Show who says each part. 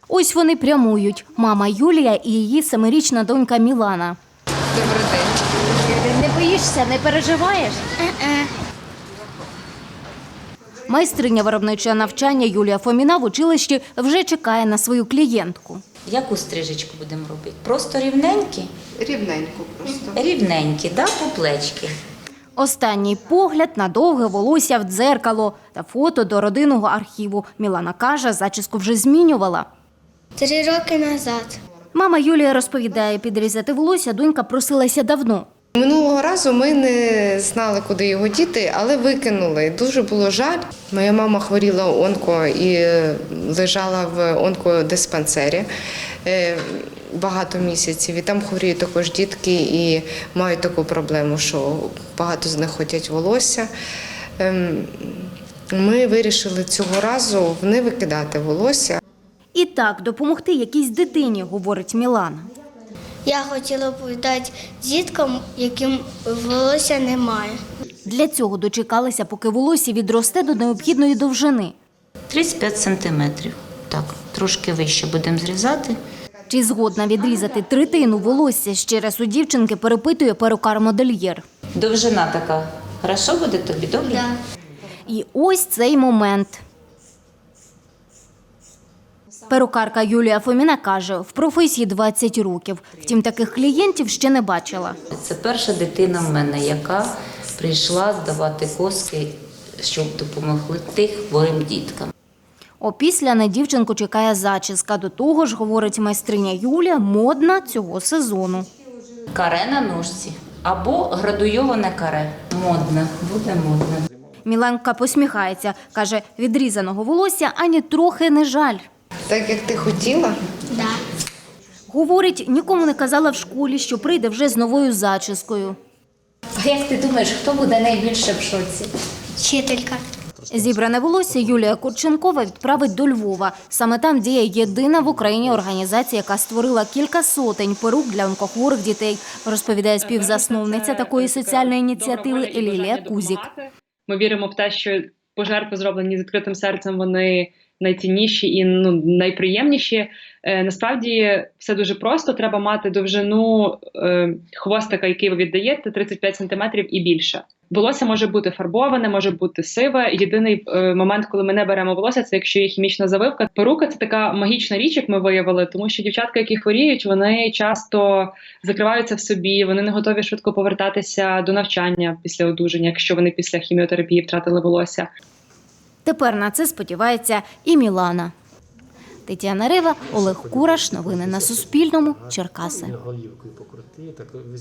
Speaker 1: Ось вони прямують – мама Юлія і її 7-річна донька Мілана.
Speaker 2: Добрий день.
Speaker 1: Не боїшся, не переживаєш? Майстриня виробничого навчання Юлія Фоміна в училищі вже чекає на свою клієнтку.
Speaker 3: Яку стрижечку будемо робити? Просто рівненькі?
Speaker 2: Рівненько просто.
Speaker 3: Рівненькі, да, по плечки.
Speaker 1: Останній погляд на довге волосся в дзеркало та фото до родинного архіву. Мілана каже, зачіску вже змінювала.
Speaker 4: 3 роки назад.
Speaker 1: Мама Юлія розповідає, підрізати волосся донька просилася давно.
Speaker 2: Минулого разу ми не знали, куди його діти, але викинули. Дуже було жаль. Моя мама хворіла онко і лежала в онкодиспансері багато місяців. І там хворіють також дітки і мають таку проблему, що багато з них хотять волосся. Ми вирішили цього разу не викидати волосся.
Speaker 1: І так, допомогти якійсь дитині, говорить Мілана.
Speaker 4: Я хотіла б дати діткам, яким волосся немає.
Speaker 1: Для цього дочекалися, поки волосся відросте до необхідної довжини.
Speaker 3: 35 сантиметрів. Так, трошки вище будемо зрізати.
Speaker 1: Чи згодна відрізати третину волосся, ще раз у дівчинки перепитує перукар-модельєр.
Speaker 3: Довжина така. Хорошо буде тобі, добре?
Speaker 4: Да.
Speaker 1: І ось цей момент. Перукарка Юлія Фоміна каже, в професії 20 років. Втім, таких клієнтів ще не бачила.
Speaker 3: Це перша дитина в мене, яка прийшла здавати коски, щоб допомогли тих хворим діткам.
Speaker 1: Опісля на дівчинку чекає зачіска. До того ж, говорить майстриня Юлія, модна цього сезону.
Speaker 3: Каре на ножці або градуйоване каре. Модне, буде модне.
Speaker 1: Міланка посміхається. Каже, відрізаного волосся ані трохи не жаль.
Speaker 2: Так, як ти хотіла?
Speaker 4: Да.
Speaker 1: Говорить, нікому не казала в школі, що прийде вже з новою зачіскою.
Speaker 5: А як ти думаєш, хто буде найбільше в шоці?
Speaker 4: Вчителька.
Speaker 1: Зібране волосся Юлія Курченкова відправить до Львова. Саме там діє єдина в Україні організація, яка створила кілька сотень перук для онкохворих дітей, розповідає співзасновниця такої соціальної ініціативи Лілія Кузік.
Speaker 6: Ми віримо в те, що пожертви, зроблені з відкритим серцем, вони найцінніші і найприємніші. Насправді все дуже просто. Треба мати довжину хвостика, який ви віддаєте, 35 см і більше. Волосся може бути фарбоване, може бути сиве. Єдиний момент, коли ми не беремо волосся, це якщо є хімічна завивка. Перука – це така магічна річ, як ми виявили, тому що дівчатка, які хворіють, вони часто закриваються в собі, вони не готові швидко повертатися до навчання після одужання, якщо вони після хіміотерапії втратили волосся.
Speaker 1: Тепер на це сподівається і Мілана. Тетяна Рива, Олег Кураш. Новини на Суспільному. Черкаси.